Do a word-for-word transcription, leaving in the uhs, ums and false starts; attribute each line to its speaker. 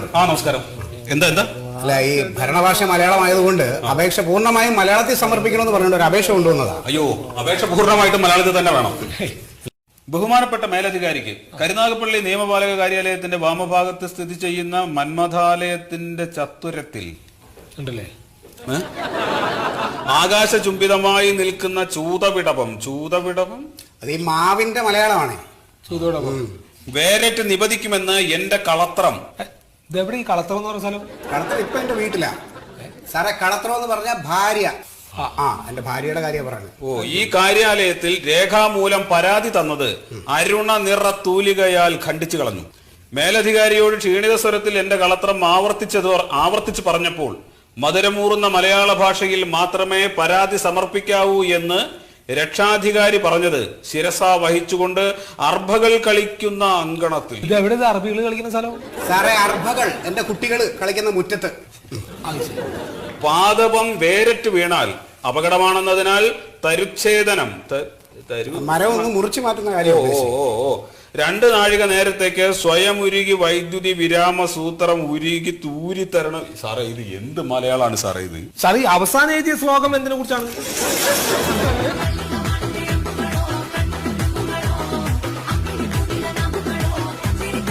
Speaker 1: ആ നമസ്കാരം. എന്താ എന്താ
Speaker 2: അല്ല, ഈ ഭരണഭാഷ മലയാളമായതുകൊണ്ട് അപേക്ഷ പൂർണ്ണമായും മലയാളത്തിൽ സമർപ്പിക്കണമെന്ന് പറഞ്ഞിട്ട് ഒരു അപേക്ഷ കൊണ്ടുവന്നതാണ്.
Speaker 1: അയ്യോ, അപേക്ഷ പൂർണ്ണമായിട്ടും മലയാളത്തിൽ തന്നെ വേണം. ബഹുമാനപ്പെട്ട മേലധികാരിക്ക് കരുനാഗപ്പള്ളി നിയമപാലക കാര്യാലയത്തിന്റെ വാമഭാഗത്ത് സ്ഥിതി ചെയ്യുന്ന മന്മഥാലയത്തിന്റെ ചത്തുരത്തിൽ
Speaker 3: ഉണ്ടല്ലേ
Speaker 1: ആകാശചുംബിതമായി നിൽക്കുന്ന ചൂതവിടവം ചൂതവിടവം
Speaker 2: അത് ഈ മാവിന്റെ മലയാളമാണ്.
Speaker 3: ചൂതോടൊപ്പം
Speaker 1: വേരറ്റ് നിപതിക്കുമെന്ന് എന്റെ കളത്രം.
Speaker 3: ഇതെവിടെ ഈ കളത്രം എന്ന് പറഞ്ഞ സ്ഥലം?
Speaker 2: കളത്രം ഇപ്പൊ എന്റെ വീട്ടിലാ സാറേ. കളത്രം എന്ന് പറഞ്ഞ ഭാര്യ. ആ എന്റെ ഭാര്യയുടെ കാര്യം പറയുന്നത്.
Speaker 1: ഓ, ഈ കാര്യാലയത്തിൽ രേഖാമൂലം പരാതി തന്നത് അരുണ നിറ തൂലികയാൽ ഖണ്ഡിച്ചു കളഞ്ഞു. മേലധികാരിയോട് ക്ഷീണിത സ്വരത്തിൽ എന്റെ കളത്രം ആവർത്തിച്ചത് ആവർത്തിച്ചു പറഞ്ഞപ്പോൾ മധുരമൂറുന്ന മലയാള ഭാഷയിൽ മാത്രമേ പരാതി സമർപ്പിക്കാവൂ എന്ന് രക്ഷാധികാരി പറഞ്ഞത് ശിരസ വഹിച്ചുകൊണ്ട് അർഭകൾ കളിക്കുന്ന അങ്കണത്തിൽ.
Speaker 3: ഇത് എവിടെ അറബികൾ കളിക്കുന്ന സ്ഥലം?
Speaker 2: സാറേ, അർഭകൾ എന്റെ കുട്ടികൾ കളിക്കുന്ന മുറ്റത്ത്.
Speaker 1: പാദപം വേരറ്റ് വീണാൽ അപകടമാണെന്നതിനാൽ തരുച്ഛേദനം
Speaker 2: മരം ഒന്ന് മുറിച്ചു മാറ്റുന്ന കാര്യം.
Speaker 1: ഓ ഓ ഓ രണ്ട് നാഴിക നേരത്തേക്ക് സ്വയം ഉരുകി വൈദ്യുതി വിരാമ സൂത്രം ഉരുകി തൂരി തരണം. സാറേ, ഇത് എന്ത് മലയാളമാണ് സാറേ ഇത്?
Speaker 3: സാറേ, അവസാനം എഴുതിയ ശ്ലോകം എന്തിനെ കുറിച്ചാണ്?